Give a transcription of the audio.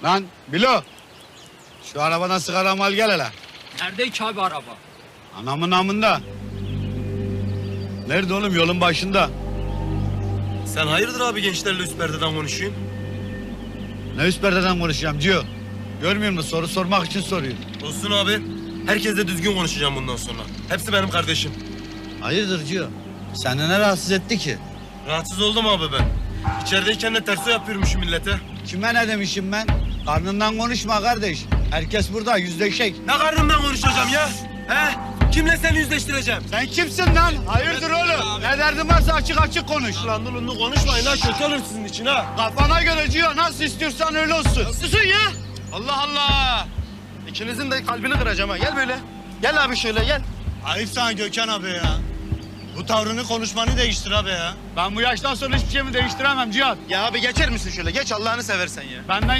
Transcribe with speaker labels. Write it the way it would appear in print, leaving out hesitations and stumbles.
Speaker 1: Lan Bilo. Şu arabadan sigaramı al gel hele.
Speaker 2: Nerede ki abi araba?
Speaker 1: Anamın namında. Nerede oğlum? Yolun başında.
Speaker 3: Sen hayırdır abi gençlerle üst perdeden konuşuyorsun?
Speaker 1: Ne üst perdeden konuşacağım Cio? Görmüyor musun? Soru sormak için soruyor.
Speaker 3: Olsun abi. Herkesle düzgün konuşacağım bundan sonra. Hepsi benim kardeşim.
Speaker 1: Hayırdır Cio? Seni ne rahatsız etti ki?
Speaker 3: Rahatsız oldum abi ben. İçerideyken de terso yapıyormuşum millete.
Speaker 1: Kime ne demişim ben? Karnından konuşma kardeş. Herkes burada yüzleşek.
Speaker 3: Ne karnımdan konuşacağım ya? He? Kimle seni yüzleştireceğim?
Speaker 1: Sen kimsin lan? Hayırdır oğlum? Ne derdin varsa açık açık konuş.
Speaker 3: Lan dulunlu konuşmayın ha, kötü olur sizin için ha.
Speaker 1: Kafana göre Cio, nasıl istiyorsan öyle olsun.
Speaker 3: Susun ya! Allah Allah! İkinizin de kalbini kıracağım ha. Gel böyle. Gel abi şöyle gel.
Speaker 4: Ayıp sana Gökhan abi ya. Bu tavrını konuşmanı değiştir abi ya.
Speaker 1: Ben bu yaştan sonra hiçbir şeyimi değiştiremem Cihat.
Speaker 3: Ya abi geçer misin şöyle? Geç Allah'ını seversen ya.
Speaker 1: Benden